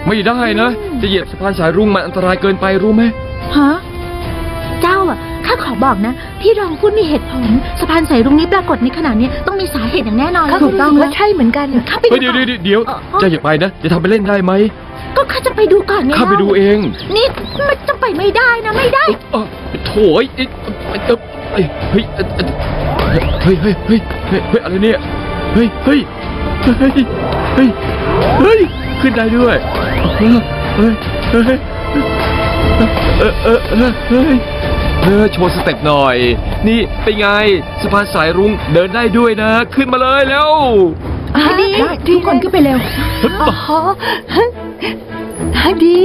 ไม่ได้นะจะเหยียบสะพานสายรุ้งมันอันตรายเกินไปรู้ไหมฮะเจ้าอ่ะข้าขอบอกนะพี่รองพูดมีเหตุผลสะพานสายรุ้งนี้ปรากฏในขณะนี้ต้องมีสาเหตุอย่างแน่นอนถูกต้องแล้วใช่เหมือนกันข้าไปดูเดี๋ยวจะอย่าไปนะจะทำไปเล่นได้ไหมก็ข้าจะไปดูก่อนไงข้าไปดูเองนี่มันจะไปไม่ได้นะไม่ได้โถ่เฮ้ยอะไรเนี่ยเฮ้ยขึ้นได้ด้วยโชว์สเต็ปหน่อยนี่เป็นไงสะพานสายรุ้งเดินได้ด้วยนะขึ้นมาเลยแล้วดีทุกคนขึ้นไปเร็วดี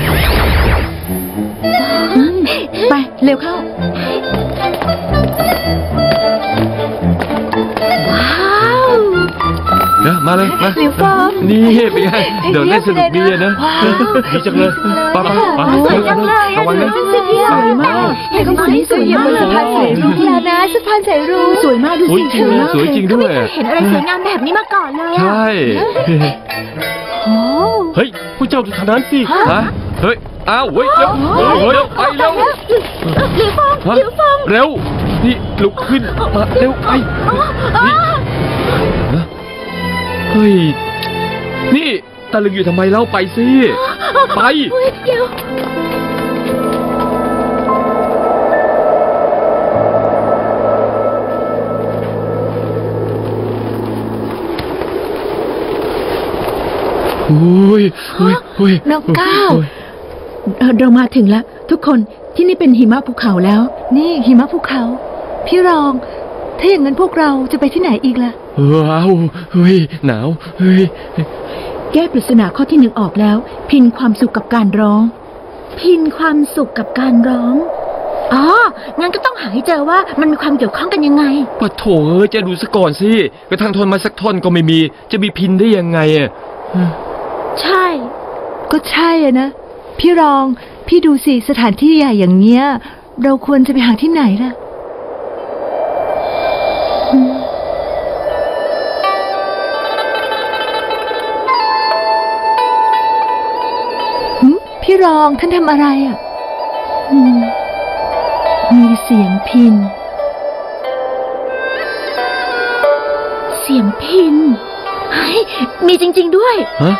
ไปเร็วเข้ามาเลยมานี่เป็นไงเดินเล่นสนุกดีนะดีจังเลยป้าระวังนะสวยมากเห็นคนนี้สวยมากสะพานสายรุ้งแล้วนะสะพานสายรุ้งสวยมากดูสิสวยจริงด้วยเห็นอะไรสวยงามแบบนี้มาก่อนเลยใช่เฮ้ยผู้เจ้าดูทางนั้นสิเฮ้ยอ้าวเฮ้ยเร็วไปเร็วเร็วนี่ลุกขึ้นมาเร็วไปเฮ้ยนี่ตะลึงอยู่ทำไมเล่าไปสิไปน้องก้าวเรามาถึงแล้วทุกคนที่นี่เป็นหิมะภูเขาแล้วนี่หิมะภูเขาพี่รองถ้าอย่างนั้นพวกเราจะไปที่ไหนอีกล่ะว้าวเฮ้ยหนาวเฮ้ยแก้ปริศนาข้อที่หนึ่งออกแล้วพินความสุขกับการร้องพินความสุขกับการร้องอ๋องั้นก็ต้องหาให้เจอว่ามันมีความเกี่ยวข้องกันยังไงปะโถจะดูซะก่อนสิกระทั่งทนมาสักท่อนก็ไม่มีจะมีพินได้ยังไงอ่ะใช่ก็ใช่อะนะพี่รองพี่ดูสิสถานที่ใหญ่อย่างเงี้ยเราควรจะไปหาที่ไหนล่ะพี่รองท่านทำอะไรอ่ะมีเสียงพินเฮ้ยมีจริงๆด้วย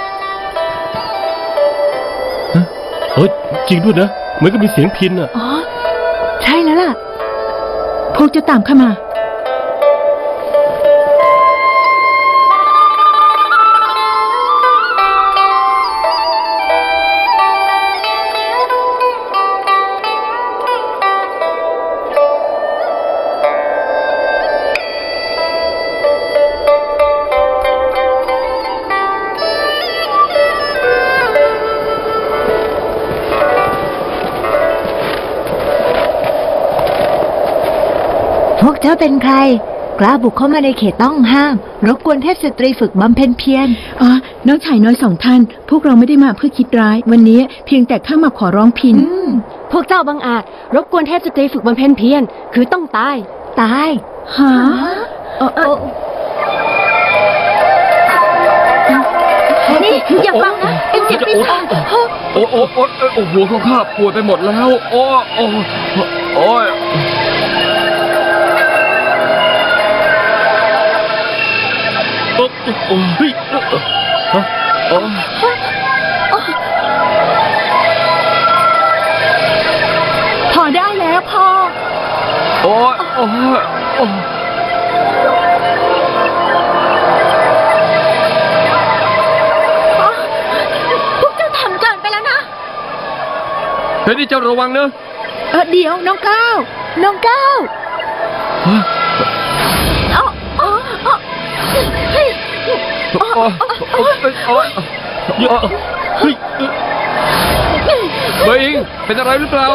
จริงด้วยนะเหมือนกับมีเสียงพินอ่ะอ๋อใช่แล้วล่ะพวกจะตามเข้ามาพวกเจ้าเป็นใครกล้าบุกเข้ามาในเขตต้องห้ามรบกวนเทพสตรีฝึกบำเพ็ญเพียรน้องชายน้อยสองท่านพวกเราไม่ได้มาเพื่อคิดร้ายวันนี้เพียงแต่ข้ามาขอร้องพินพวกเจ้าบังอาจรบกวนเทพสตรีฝึกบำเพ็ญเพียรคือต้องตายฮะนี่อย่าฟังนะเป็นเสียงปีศาจหัวของข้าปวดไปหมดแล้วโอ้ยพอได้แล้วพอพวกเจ้าทำเกินไปแล้วนะเฮ้ยนี่เจ้าระวังเนอะเดี๋ยวน้องก้าวเบย์อิงเป็นอะไรหรือเปล่า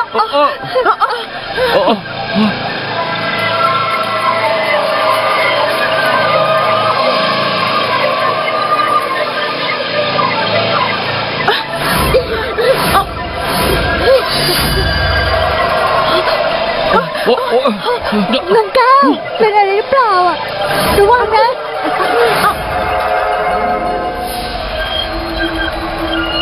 น้องก้าวเป็นอะไรหรือเปล่าอ่ะระวังนะ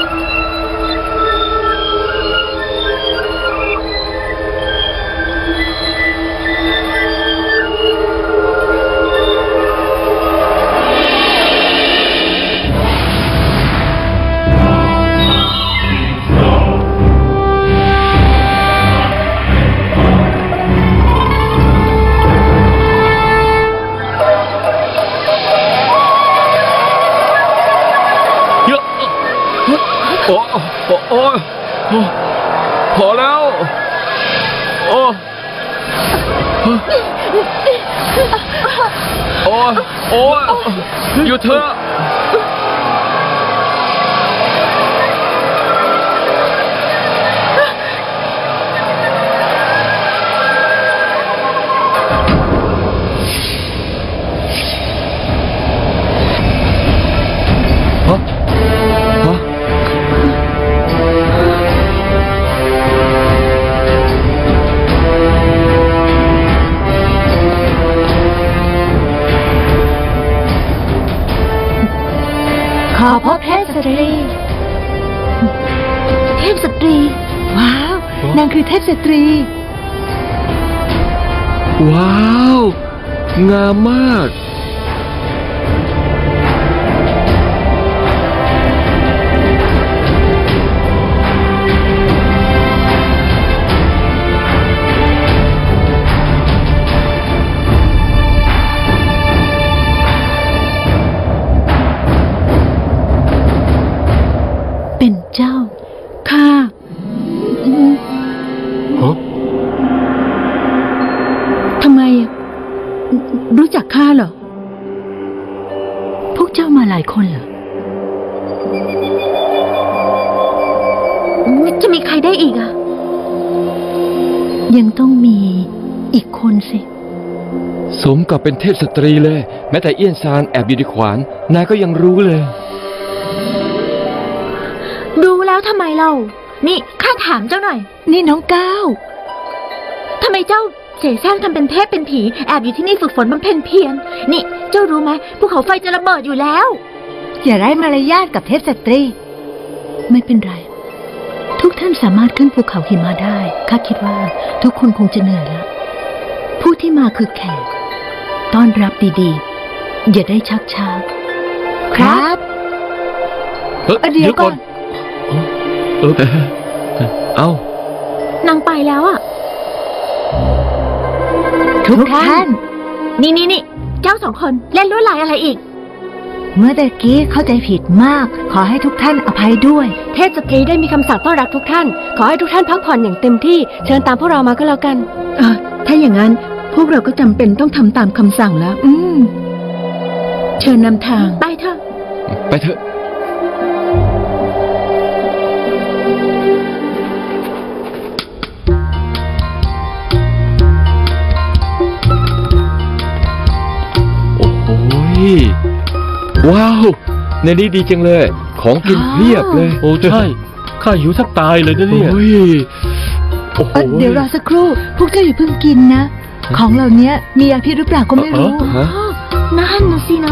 โอ้โอ้โอ้โอ้พอแล้วโอ้โอ้โอ้หยุดเถอะขอพบเทพสตรี เทพสตรี ว้าว นางคือเทพสตรีว้าวงามมากเป็นเจ้า ข้าฮะทำไมอะรู้จักข้าเหรอ พวกเจ้ามาหลายคนเหรอ จะมีใครได้อีกอะยังต้องมีอีกคนสิสมกับเป็นเทพสตรีเลยแม้แต่เอี้ยนซานแอบอยู่ในขวานนายก็ยังรู้เลยรู้แล้วทำไมเรา นี่ข้าถามเจ้าหน่อย นี่น้องก้าวทำไมเจ้าเสแสร้งทำเป็นเทพเป็นผีแอบอยู่ที่นี่ฝึกฝนบำเพ็ญเพียรนี่เจ้ารู้ไหมภูเขาไฟจะระเบิดอยู่แล้ว อย่าไร้มารยาทกับเทพสตรี ไม่เป็นไร ทุกท่านสามารถขึ้นภูเขาหิมะได้ข้าคิดว่าทุกคนคงจะเหนื่อยแล้วผู้ที่มาคือแขกต้อนรับดีๆอย่าได้ชักช้าครับ เดี๋ยวก่อนเอ้านางไปแล้วอ่ะทุกท่านนี่เจ้าสองคนเล่นลวดลายอะไรอีกเมื่อตะกี้เข้าใจผิดมาก ขอให้ทุกท่านอภัยด้วยเทพสตรีได้มีคำสั่งต้อนรับทุกท่าน ขอให้ทุกท่านพักผ่อนอย่างเต็มที่เชิญตามพวกเรามาก็แล้วกันถ้าอย่างนั้นพวกเราก็จำเป็นต้องทำตามคำสั่งแล้ว เชิญนำทางไปเถอะไปเถอะโอ้โหว้าวในนี้ดีจังเลยของกินเพียบเลยโอ้ใช่ข้าหิวแทบตายเลยนะเนี่ยโอ้ยโอ้โหเดี๋ยวรอสักครู่ พวกเจ้าอย่าเพิ่งกินนะ ของเหล่านี้มียาพิษหรือเปล่าก็ไม่รู้ฮะนั่นนะสินะ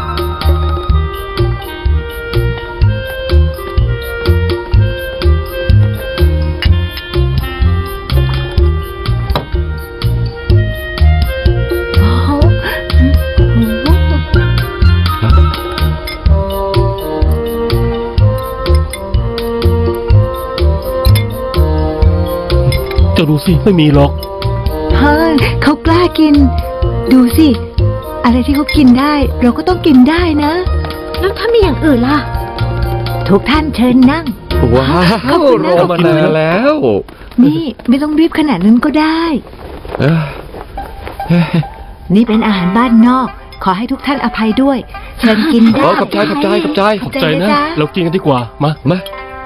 จะดูสิไม่มีหรอกเฮ้ยเขากล้ากิน ดูสิ อะไรที่เขากินได้ เราก็ต้องกินได้นะแล้วถ้ามีอย่างอื่นล่ะทุกท่านเชิญนั่งว้าขอบวคุณรนะอมานานแล้วนี่ไม่ต้องรีบขนาดนั้นก็ได้เอ้ยนี่เป็นอาหารบ้านนอก ขอให้ทุกท่านอภัยด้วย เชิญกินได้ขอบใจขอบใจนะจ๊เรากินกันดีกว่ามามา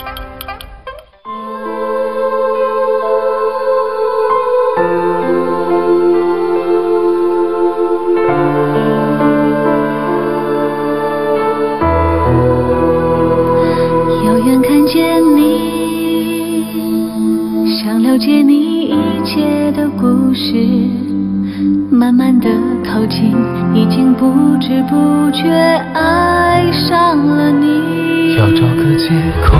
遥远看见你，想了解你一切的故事，慢慢的靠近，已经不知不觉爱上了你。 要找个借口，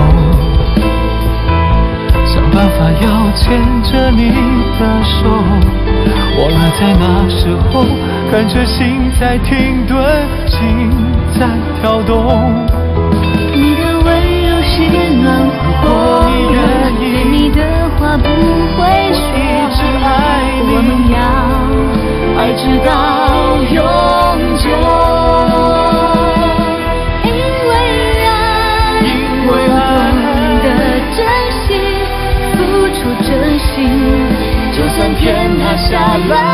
想办法要牵着你的手，忘了在那时候，感觉心在停顿，心在跳动。 你的温柔是暖和， 你愿意对你的话不会说， 一直爱你我们要爱直到永久，因为爱， 因为爱下来。